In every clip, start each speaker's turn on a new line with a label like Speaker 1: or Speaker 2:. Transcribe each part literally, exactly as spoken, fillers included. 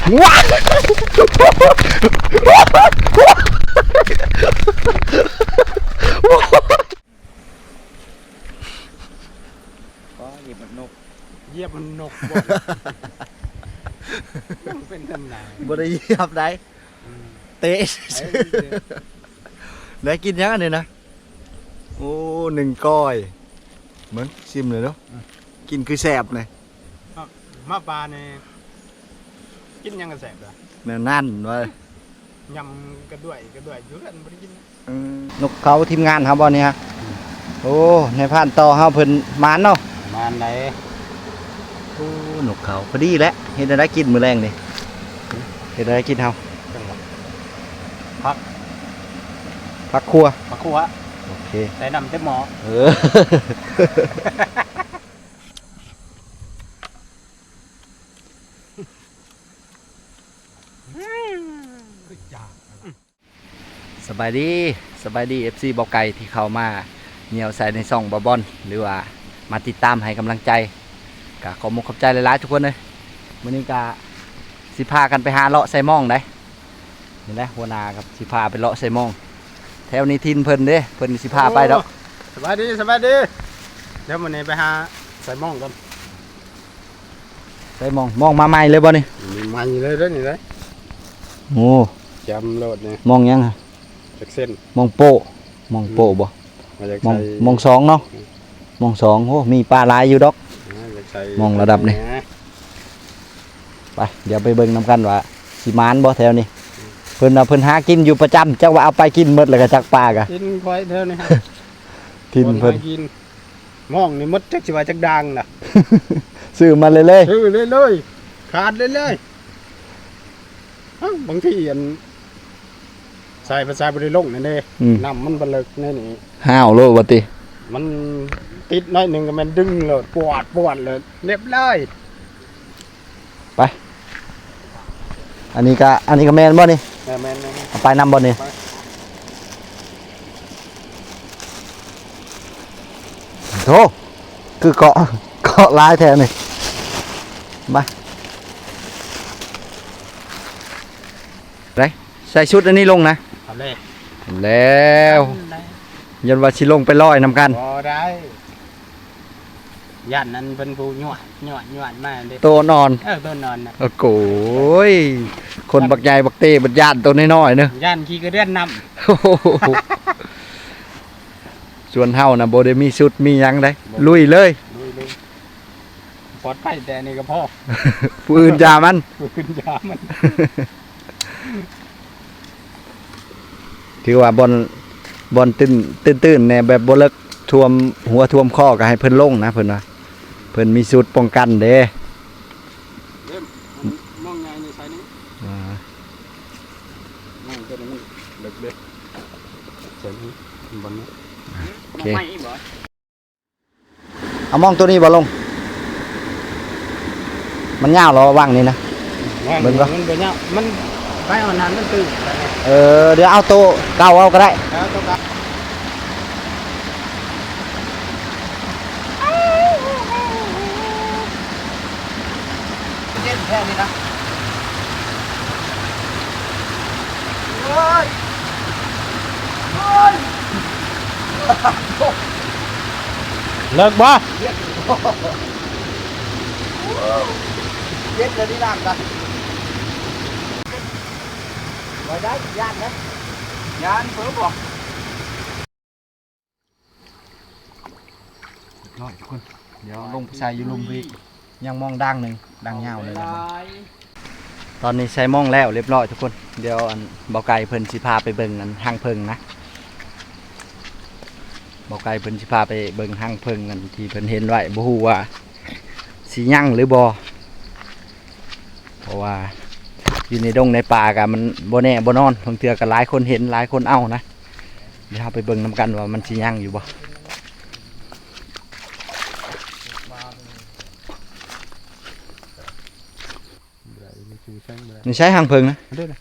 Speaker 1: ว้าก็เหยียบมันนก
Speaker 2: เหยียบมันนกเป็นตำนาน
Speaker 1: บ่ได้เหยียบได้เตะได้กินยังอันนี้นะโอ้หนึ่งก้อยเหมือนชิมเลยเนาะกินคือแสบเลย
Speaker 2: มาปลาเนี่ยกินยังกระแสบเลย
Speaker 1: แน่นั่นไว้
Speaker 2: ยำกระด้วยกระด้วยยุ่งกันไม่ได้กิน
Speaker 1: นกเขาทีมงานครับบอลนี่ฮะโอ้ในผ่านต่อเฮาเพิ่นมานเนาะ
Speaker 2: มานไหน
Speaker 1: โอ้นกเขาพอดีแล้วเห็นได้กินมื้อแรงนี่เห็นได้กินเฮา
Speaker 2: พัก
Speaker 1: พักครัว
Speaker 2: พักครัว
Speaker 1: โอเค
Speaker 2: ใส่น้ำเต็มหม้อ
Speaker 1: เออสบายดีสบายดี เอฟ ซี บอกไก่ที่เข้ามาเหนียวใส่ในซ่องบอบอนหรือว่ามาติดตามให้กำลังใจกะขอมขอบใจหลายๆทุกคนเลยวันนี้กะสิพากันไปหาเลาะไซมองได้เห็นไหมหัวนากับสิพาไปเลาะไซมองแถวนี้ทินเพิ่นเด้เพิ่นสิพาไปดอก
Speaker 2: สบายดีสบายดีเดี๋ยววันนี้ไปหาไซมองกัน
Speaker 1: ไซมองมองมาใหม่เลยบ่นี่
Speaker 2: มีใหม่เลยด้วยนี่เลย
Speaker 1: โอ้
Speaker 2: จำโหลดเนี่ย
Speaker 1: มองยังฮะ
Speaker 2: จากเส้น
Speaker 1: มองโปมองโปบ่มองมองสองเนาะมองสองโอ้มีปลาลายอยู่ดอกมองระดับนี่ไปเดี๋ยวไปเบิ่งน้ำกันว่าสิมานบ่แถวนี้เพิ่นเอาเพิ่นหากินอยู่ประจำจักว่าเอาไปกินหมดแล้วก็จักปลากะ
Speaker 2: กินควายแถวนี้ฮะ
Speaker 1: ทินเพิ่น
Speaker 2: กินมองนี่มดจักสิว่าจักดังน่ะ
Speaker 1: ซื้อมาเลยเลย
Speaker 2: ซื้อเลยเลยขาดเลยเลยบางทีอันใส่ภาษาบริโภคนั่นเองน้ำมันบลึกนี่นี่
Speaker 1: ห้าวโลวะติ
Speaker 2: มันติดน้อยหนึ่งก็มันดึงเลยปวดปวดเลยเรียบร้อย
Speaker 1: ไปอันนี้ก็อันนี้ก็แมนบ่นี่
Speaker 2: แมนแมน
Speaker 1: ไปนำบ่นี่โธ่คือเกาะเกาะลายแทนนี่มาไรใส่ชุดอันนี้ลงนะแล้วยันว่าชิลงไปลอยนำกัน
Speaker 2: พอได้ยันนั้นเป็นผู้หยวดหยวดหยวดมาเลย
Speaker 1: ตัวนอน
Speaker 2: เออตัวนอนนะ
Speaker 1: โอ้โหคนบักใหญ่บักเต้บักย่านตัวน้อยๆเนอะ
Speaker 2: ย่านขี้กระเดื่อนน
Speaker 1: ำส่วนเฮานะโบเดมีชุดมียังได้ลุยเลย
Speaker 2: ปลอดภัยแต่นี่ก็พ่อ
Speaker 1: ผู้อื่นยามัน
Speaker 2: ผู้อื่นยามัน
Speaker 1: ถือว่าบอลบอลตื้นตื้นตื้นเนี่ยแบบบอลเลิกท่วมหัวท่วมข้อก็ให้เพิ่นลงนะเพิ่นว่าเพิ่นมีสูตรป้องกันเด้
Speaker 2: มองไงในสายนี้มองตัวนี้มันเล็กเล็กเสียงบอลนี้โอเค
Speaker 1: เอามองตัวนี้บอลลงมันยาวหรอว่างนี่นะ
Speaker 2: มันก็มันเป็นยาวมันไปเอานานมันตื่น
Speaker 1: เออเดี๋ยวเอาโตเก่าเอาก็ได้เล่นแค่นี้นะเฮ้ยเฮ้ย
Speaker 2: เลิกบ่
Speaker 1: เย็ดเลยที่น้ำกันไว้ได้ย่านนะย่านเพิ่มบอกน้อยทุกคนเดี๋ยวลงใส่ยูรุมวียังมองดังหนึ่งดังเงาเลยนะตอนนี้ใส่มองแล้วเรียบร้อยทุกคนเดี๋ยวอันเบาไก่เพิ่นสิพาไปเบิ่งอันห้างเพิงนะเบาไก่เพิ่นสิพาไปเบิ่งห้างเพิงอันที่เพิ่นเห็นไว้บ่ฮู้ว่าสิยั่งหรือบ่เพราะว่าอยู่ในดงในป่ากันมันบ่แน่บ่นอนบางเทื่อก็หลายคนเห็นหลายคนเอานะเดี๋ยวเราไปเบิ่งนำกันว่ามันสิยั่งอยู่บ่นี่ใช้หางเพิงนะ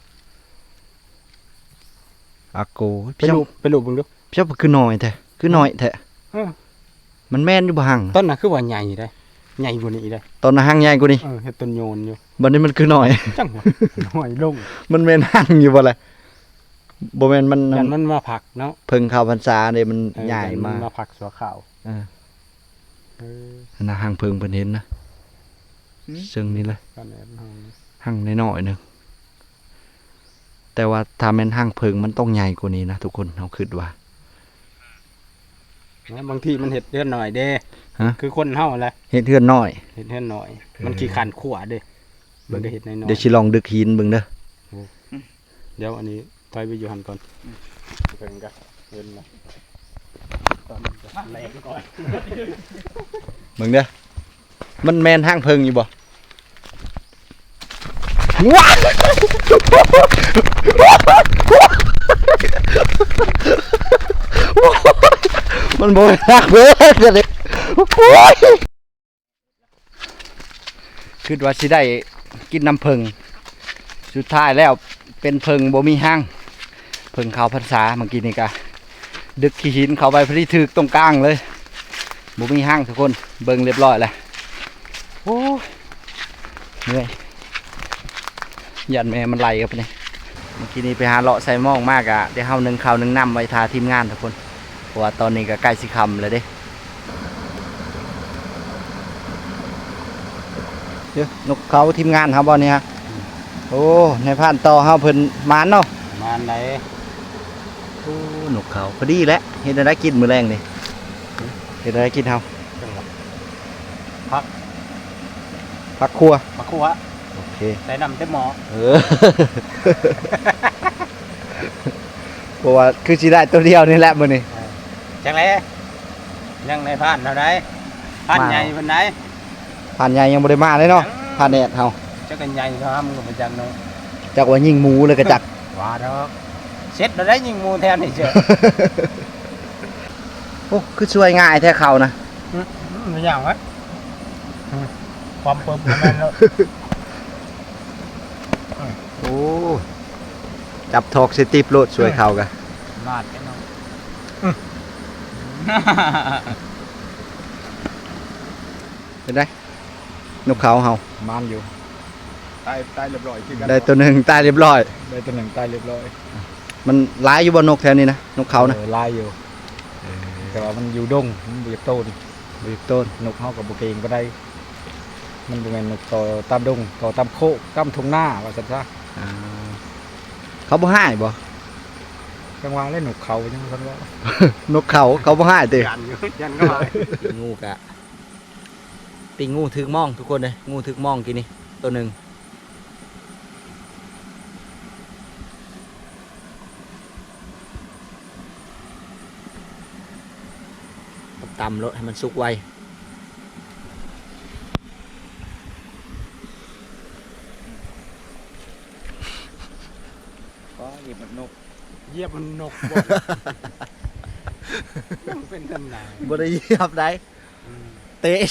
Speaker 1: อากู
Speaker 2: ไปลูบไปลูบมึงดู
Speaker 1: พี่ชอบคือหน่อยแท้คือหน่อยแท้มันแม่นอยู่บ่หัง
Speaker 2: ต้นน่ะคือว่าใหญ่ได้ใหญ่กว่านี้เลย
Speaker 1: ตอนนั้นหั่งใหญ่กว่านี้
Speaker 2: เออเฮ็ดต้นโยนอยู่
Speaker 1: บัดนี้มันคือหน่อย
Speaker 2: จังหวะหน่อยลง
Speaker 1: มันแม่นหั่งอยู่บ่ล่ะบ่แม่นมัน
Speaker 2: ยันมันมาผักเนาะ
Speaker 1: เพิ่งเข้าพรรษาเด้มัน
Speaker 2: เออ
Speaker 1: ใหญ่
Speaker 2: ยัน
Speaker 1: มาก
Speaker 2: มาผักสัวขาว
Speaker 1: เออ
Speaker 2: เออ
Speaker 1: นะหั่งเพิ่งเพิ่นเห็นนะซึ่งนี่เลย
Speaker 2: กันแอบเฮา
Speaker 1: หั่งน้อยๆหนึงแต่ว่าถ้าแม่นหั่งเพิ่งมันต้องใหญ่กว่านี้นะทุกคนเฮาคิดว่า
Speaker 2: นะบางทีมันเห็ดเลือนหน่อยเด้
Speaker 1: ฮะ
Speaker 2: คือคนเฮาแหละ
Speaker 1: เฮ็ดเฮือนน้อย
Speaker 2: เห็ดเลือนหน่อย มันขี้ขันขวเด้มันก็เห็ดน้อย
Speaker 1: เดี๋ยวสิลองดึกหินเบิ่งเด้อ
Speaker 2: ๆเดี๋ยวอันนี้ถอยไปอยู่หันก่อนเพิ่นก็เห็นละตอนนี้ก็แรงก่อน
Speaker 1: เบิ่งเด้อมันแม่นหั่งเพิ่งอยู่บ่ว้าวมันบ่ฮักเบิ่งเลยโอ้ยคิดว่าสิได้กินน้ำเพิ่งสุดท้ายแล้วเป็นเพิ่งบ่มีหั่งเพิ่งเข้าพรรษาเมื่อกี้นี่ก็ดึกขี้หินเข้าไปพอดีถึกตรงกลางเลยบ่มีหั่งทุกคนเบิ่งเรียบร้อยแล้วโอ้ยเหนื่อยยันแม่มันไหลกับนี่เมื่อกี้นี้ไปหาเลาะใส่หม้องมากอะเดี๋ยวเฮานึ่งข้าวนึ่งน้ำไว้ทาทีมงานทุกคนเพราะว่าตอนนี้ก็ใกล้สิค่ำแล้วเด้เดี๋ยวนกเขาทีมงานครับบอลนี่ฮะโอ้ในผ่านต่อเฮาเพิ่นมานเนาะ
Speaker 2: มาอันไหน
Speaker 1: โอ้นกเขาพอดีแล้วเฮ็ดได้กินมื้อแรงนี่เฮ็ดได้กินเฮา
Speaker 2: จังหวะพัก
Speaker 1: ผักครัว
Speaker 2: พักขว
Speaker 1: โอเค
Speaker 2: ใส่น้ำเต็มหม้อ
Speaker 1: เออ เพราะว่าคือสิได้ตัวเดียวนี่แหละมื้อนี้
Speaker 2: จังไรยังในผ่านเท่าไรผ่านใหญ่เป็นไหน
Speaker 1: ผ่านใหญ่ยังบ่ได้มาเลยเนาะผ่านแดดเฮา
Speaker 2: จะกันใหญ่ทำกับประจังเนาะ
Speaker 1: จักว่ายิงหมูเลยก็จัก
Speaker 2: ว่าดอกเสร็จแล้วได้ยิงมูแทนนี่เจ้า
Speaker 1: โอ้คือช่วยง่ายแท้เขานะ
Speaker 2: มันอย่างวะความเปิ่มของมันแล้ว
Speaker 1: โอ้จับทอกสติปโลดช่วยเขากัน
Speaker 2: ลาดกันเนาะ
Speaker 1: เป็นไงนกเขาเฮา
Speaker 2: มันอยู่ตายตายเรียบร้อยคือกัน
Speaker 1: ได้ตัวหนึ่งตายเรียบร้อย
Speaker 2: ได้ตัวหนึ่งตายเรียบร้อย
Speaker 1: มันร้ายอยู่บนนกแถวนี้นะนกเขานะ
Speaker 2: ออลายอยู่แต่ว่ามันอยู่ดงมันเบียดโตน
Speaker 1: บีบต้น
Speaker 2: นกเขากับบุกเองก็ได้ มันเป็นนกต่อตามดงต่อตามโคกตามทุ่งหน้าว่าสันซะ
Speaker 1: อ่าเขาบ่ให้บ่
Speaker 2: กลางวันเล่นนกเขาจังคนว่าน
Speaker 1: กเขาเขาบ่ให้เตะ
Speaker 2: ยันอยู่ยันก็มา
Speaker 1: งูกะปิงงูถึกมองทุกคนเลยงูถึกมองกินนี่ตัวหนึ่งตำรถให้มันสุกไวก็หยิบนก
Speaker 2: เยียบมันนกมันเป็นตำนาน
Speaker 1: บ่ได้เหยียบได้เตะ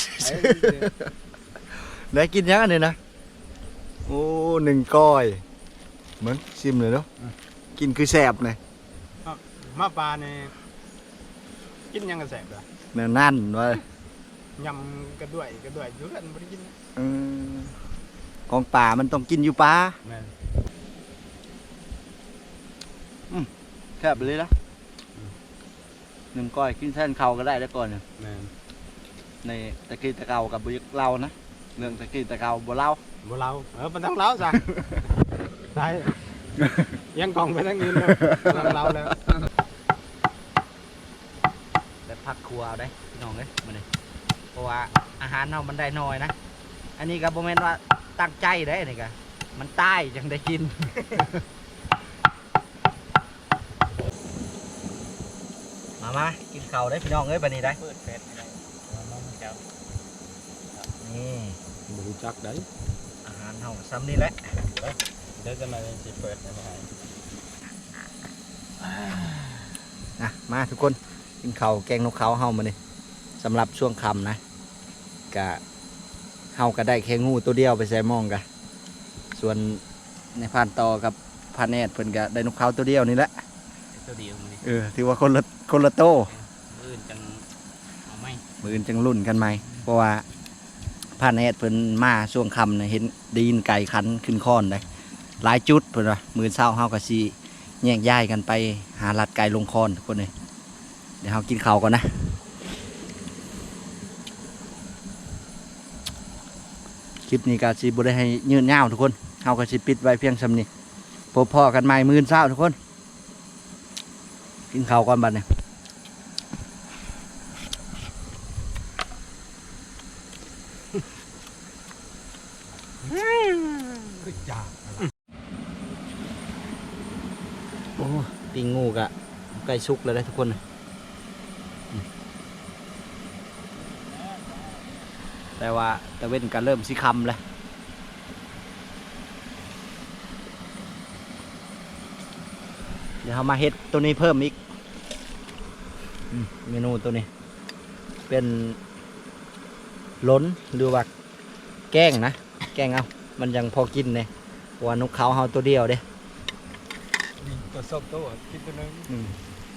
Speaker 1: ได้กินยังอันนี้นะโอ้หนึ่งก้อยเหมือนชิมเลยเนาะกินคือแสบเลย
Speaker 2: มาปลาเนี่ยกินยังกระแสบเหรอ
Speaker 1: เนื้อนั่นไว้
Speaker 2: ยำกระด้วยกระด้วยอยู่กันไม่ได้กินนะ
Speaker 1: เออของป่ามันต้องกินอยู่ป่า
Speaker 2: แม่น
Speaker 1: แคบไปเลยนะหนึ่งก้อยกินแท่นเขาก็ได้แล้วก่อนเนี่ย
Speaker 2: แม่น
Speaker 1: ในตะกี้ตะเกากับบุยเล่านะเรื่องตะกี้ตะเกาบ่เล่า
Speaker 2: บ่เราเออมันต้องเล้าจ้ะใช่ยังกองไปทั้งนี้เลยต้องเล้าแล้ว
Speaker 1: แต่พักครัวเอาได้พี่น้องเอ้ยมาเลยเพราะว่าอาหารเรามันได้น้อยนะอันนี้ก็บ่แม่นว่าตั้งใจได้นี่ก็มันตายจังได้กิน มามากินข้าวได้พี่น้องเอ้ยบัดนี้ได้
Speaker 2: เปิดเฟซไม่ได้น้องแก้ว
Speaker 1: นี่
Speaker 2: บ่รู้จักได้
Speaker 1: อาหารเฮาซ้ำนี่แหละ
Speaker 2: เดี๋ยวจะมาสิเปิดให้
Speaker 1: นะมาทุกคนกินข้าวแกงนกเขาเฮามานี่สำหรับช่วงค่ำนะกะเฮาก็ได้แค่งูตัวเดียวไปใส่หมองกะส่วนในพานต่อกับพานแนดเพิ่นก็ได้นกเขาตัวเดียวนี่แหละ
Speaker 2: ตัวเดียวมันนี่
Speaker 1: เออถือว่าคนละคนละโต
Speaker 2: อื่นจังเอาไหม
Speaker 1: มืออื่นจังรุ่นกันไหมเพราะว่าผ่านแอดเพิ่นมาช่วงค่ำน่ะเห็นไดีนไก่คันขึ้นค้อนได้หลายจุดเพิ่นว่ามื้อเช้าเฮาก็สิแยกย้ายกันไปหาลัดไก่ลงค้อนทุกคนเลยเดี๋ยวเฮากินข้าวก่อนนะคลิปนี้ก็สิบ่ได้ให้ยืนยาวทุกคนเฮาก็สิปิดไว้เพียงส่ำนี้พบพ่อกันใหม่มื้อเช้าทุกคนกินข้าวก่อนบัดนี้โอ้ปิ้งงูกะใกล้สุกแล้วได้ทุกคนอืมแต่ว่าตะเว้นก็เริ่มสิคำแล้วเดี๋ยวเรามาเฮ็ดตัวนี้เพิ่มอีกอืมเมนูตัวนี้ เป็นล้นหรือว่าแกงนะ แกงเอามันยังพอกินเนี่ยว่านกเขาเฮาตัวเดียวเด้
Speaker 2: ตัวส้มตัวกินตัวนึง
Speaker 1: อืม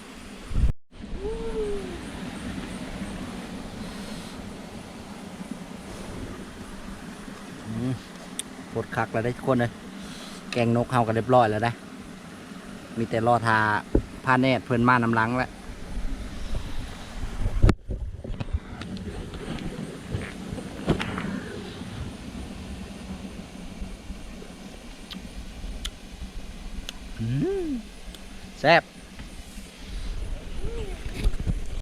Speaker 1: อืมปวดคักแล้วได้ทุกคนเลยแกงนกเฮากันเรียบร้อยแล้วนะมีแต่รอทาผ้าแนตเพิ่นมานำหลังแล้วอืมแซ่บ